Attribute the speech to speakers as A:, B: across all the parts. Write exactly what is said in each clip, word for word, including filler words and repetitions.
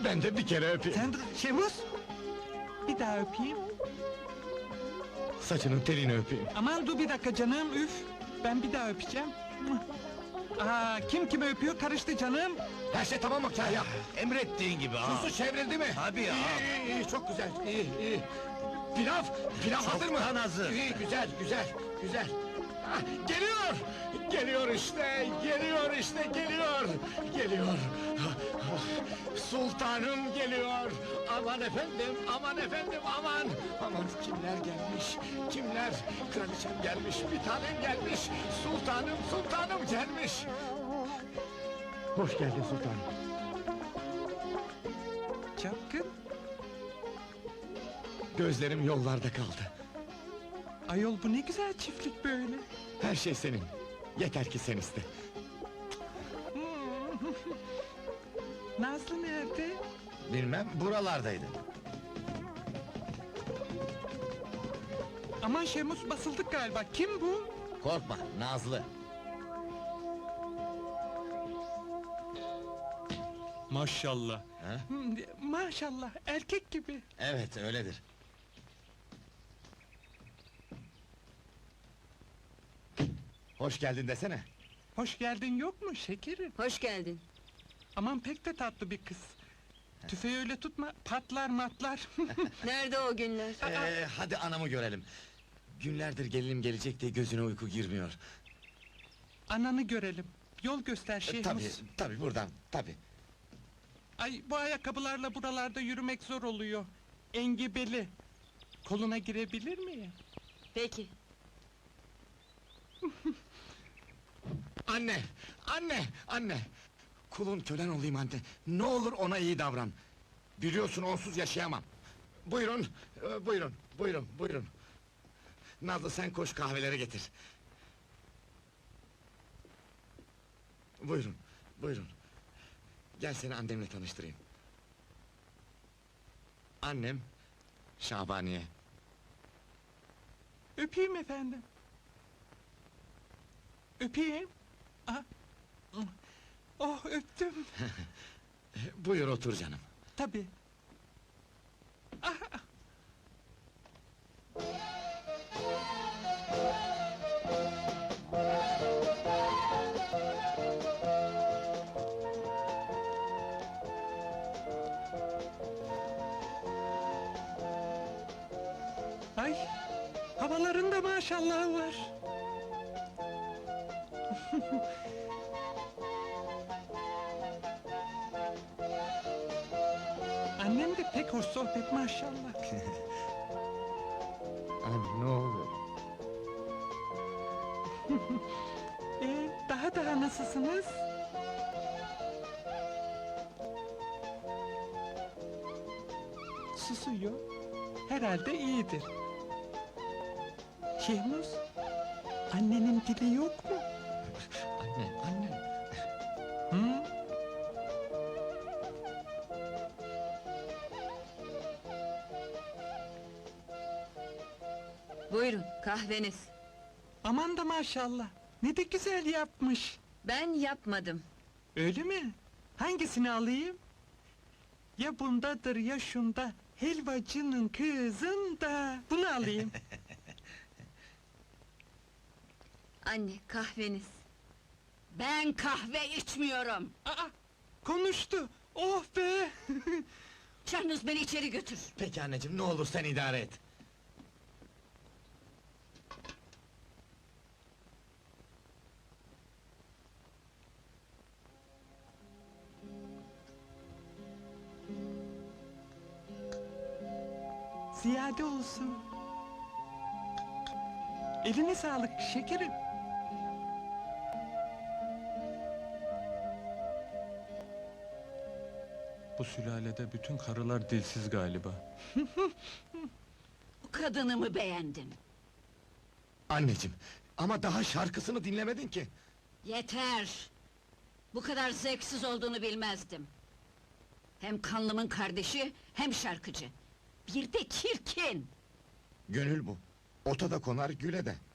A: Ben de bir kere öpeyim.
B: Sen dur Şemus! Bir daha öpeyim.
A: Saçının telini öpeyim.
B: Aman dur bir dakika canım, üf! Ben bir daha öpeceğim. Aa, kim kimi öpüyor karıştı canım.
A: Her şey tamam mı Kahya?
C: Emrettiğin gibi ha.
A: Susu çevrildi mi?
C: Tabii
A: iyi,
C: ya.
A: iyi, iyi, çok güzel, iyi, iyi. Pilav, pilav hazır mı?
C: Çoktan hazır.
A: İyi, güzel, güzel, güzel. Ah, geliyor! Geliyor işte, geliyor işte, geliyor! Geliyor! Ah, ah, Sultanım geliyor! Aman efendim, aman efendim, aman! Aman kimler gelmiş, kimler? Kraliçem gelmiş, bir tanem gelmiş! Sultanım, sultanım gelmiş! Hoş geldin sultanım.
B: Çapkın!
A: Gözlerim yollarda kaldı.
B: Ayol bu ne güzel çiftlik böyle.
A: Her şey senin. Yeter ki sen iste.
B: Nazlı nerede?
C: Bilmem, buralardaydı.
B: Aman Şemus basıldık galiba, kim bu?
C: Korkma, Nazlı.
B: Maşallah.
C: Ha?
B: Hmm, Maşallah, erkek gibi.
C: Evet, öyledir.
A: Hoş geldin desene.
B: Hoş geldin yok mu şekerim?
D: Hoş geldin.
B: Aman pek de tatlı bir kız. Tüfeği öyle tutma, patlar matlar.
D: Nerede o günler?
C: Ee, hadi anamı görelim. Günlerdir gelinim gelecek diye gözüne uyku girmiyor.
B: Ananı görelim. Yol göster
C: Ee,
B: Şehmus.
C: tabii, tabii buradan, tabii.
B: Ay bu ayakkabılarla buralarda yürümek zor oluyor. Engebeli. Koluna girebilir miyim?
D: Peki.
A: Anne, anne, anne! Kulun kölen olayım anne. Ne olur ona iyi davran. Biliyorsun onsuz yaşayamam. Buyurun, e, buyurun, buyurun, buyurun. Nazlı sen koş kahveleri getir. Buyurun, buyurun. Gel seni annemle tanıştırayım. Annem, Şabaniye.
B: Öpeyim efendim. Öpeyim. Aha. Oh öptüm.
A: Buyur otur canım.
B: Tabii. Ah, ah. Ay, havalarında maşallah var. Annem de pek hoş sohbet maşallah.
A: Anne ne olur.
B: Ee, daha daha nasılsınız? Susuyor. Herhalde iyidir. Şehmus, annenin dili yok mu?
A: Anne, anne.
B: Hı?
D: Buyurun, kahveniz.
B: Aman da maşallah. Ne de güzel yapmış.
D: Ben yapmadım.
B: Öyle mi? Hangisini alayım? Ya bundadır ya şunda. Helvacının kızında. Bunu alayım.
D: Anne, kahveniz. Ben kahve içmiyorum.
B: Aa, konuştu. Oh be!
D: Şahnuz beni içeri götür.
A: Peki anneciğim ne olur sen idare et.
B: Ziyade olsun. Eline sağlık şekerim. Bu sülalede bütün karılar dilsiz galiba.
D: Bu kadınımı beğendim.
A: Anneciğim, ama daha şarkısını dinlemedin ki.
D: Yeter! Bu kadar zevksiz olduğunu bilmezdim. Hem kanlımın kardeşi, hem şarkıcı. Bir de çirkin!
A: Gönül bu. Ota da konar, güle de.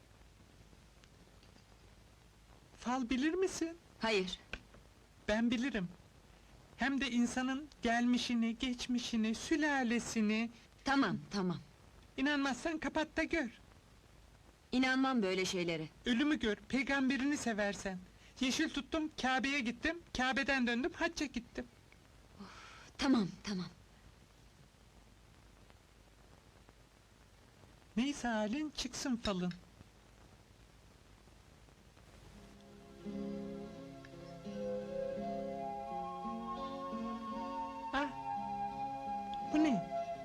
B: Fal bilir misin?
D: Hayır,
B: Ben bilirim. Hem de insanın gelmişini, geçmişini, sülalesini...
E: Tamam, tamam.
B: İnanmazsan kapat da gör.
E: İnanmam böyle şeylere.
B: Ölümü gör, peygamberini seversen. Yeşil tuttum, Kabe'ye gittim, Kabe'den döndüm, hacca gittim.
E: Tamam, tamam.
B: Neyse halin, çıksın falın. Ah! Bu ne?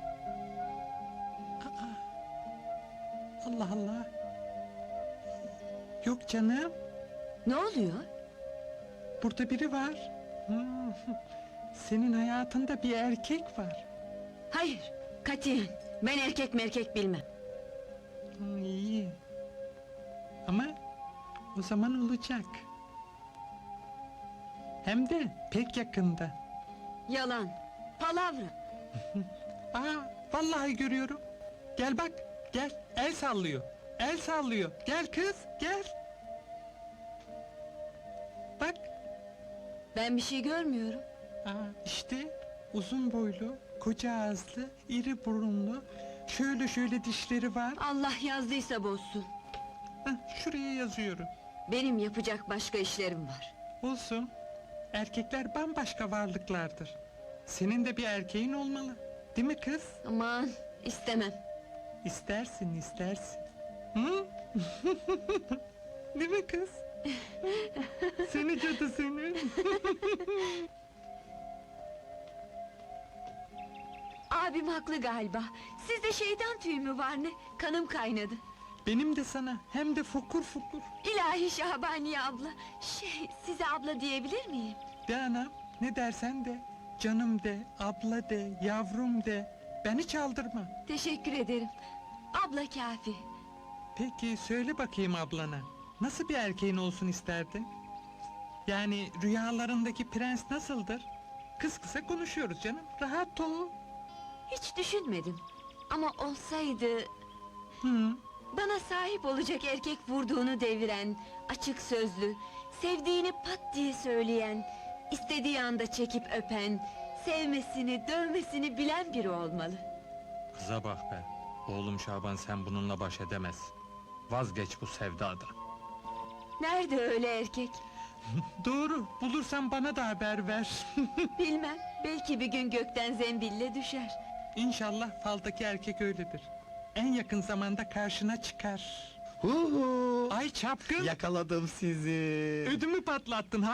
B: Aa! Allah Allah! Yok canım,
E: Ne oluyor?
B: burada biri var. Hmm, senin hayatında bir erkek var.
E: Hayır, katiyen. Ben erkek merkek bilmem.
B: Hmm, iyi. Ama o zaman olacak. Hem de pek yakında.
E: Yalan, palavra.
B: Aa, vallahi görüyorum. Gel bak, gel. El sallıyor. El sallıyor. Gel kız, gel. Bak.
E: Ben bir şey görmüyorum.
B: Aa, işte uzun boylu, koca ağızlı, iri burunlu, şöyle şöyle dişleri var.
E: Allah yazdıysa bozsun.
B: Hah, şuraya yazıyorum.
E: Benim yapacak başka işlerim var.
B: Olsun. Erkekler bambaşka varlıklardır. Senin de bir erkeğin olmalı. Değil mi kız?
E: Aman, istemem.
B: İstersin, istersin. Hı? Değil mi kız? Seni cadı seni.
E: Abim haklı galiba. Sizde şeytan tüyü mü var ne? Kanım kaynadı.
B: Benim de sana, hem de fokur fokur.
E: İlahi Şahbaniye abla. Şey, size abla diyebilir miyim?
B: De anam, ne dersen de. Canım de, abla de, yavrum de. Beni çaldırma.
E: Teşekkür ederim. Abla kafi.
B: Peki söyle bakayım ablana. Nasıl bir erkeğin olsun isterdin? Yani rüyalarındaki prens nasıldır? Kız kısa konuşuyoruz canım. Rahat ol.
E: Hiç düşünmedim. Ama olsaydı...
B: Hı.
E: Bana sahip olacak erkek vurduğunu deviren, açık sözlü, sevdiğini pat diye söyleyen, istediği anda çekip öpen, sevmesini, dövmesini bilen biri olmalı.
B: Kıza bak be. Oğlum Şaban sen bununla baş edemez. Vazgeç bu sevdadan.
E: Nerede öyle erkek?
B: Doğru. Bulursan bana da haber ver.
E: Bilmem, belki bir gün gökten zembille düşer.
B: İnşallah faldaki erkek öyledir. En yakın zamanda karşına çıkar.
C: Huhu!
B: Ay çapkın!
C: Yakaladım sizi.
B: Ödümü patlattın ha!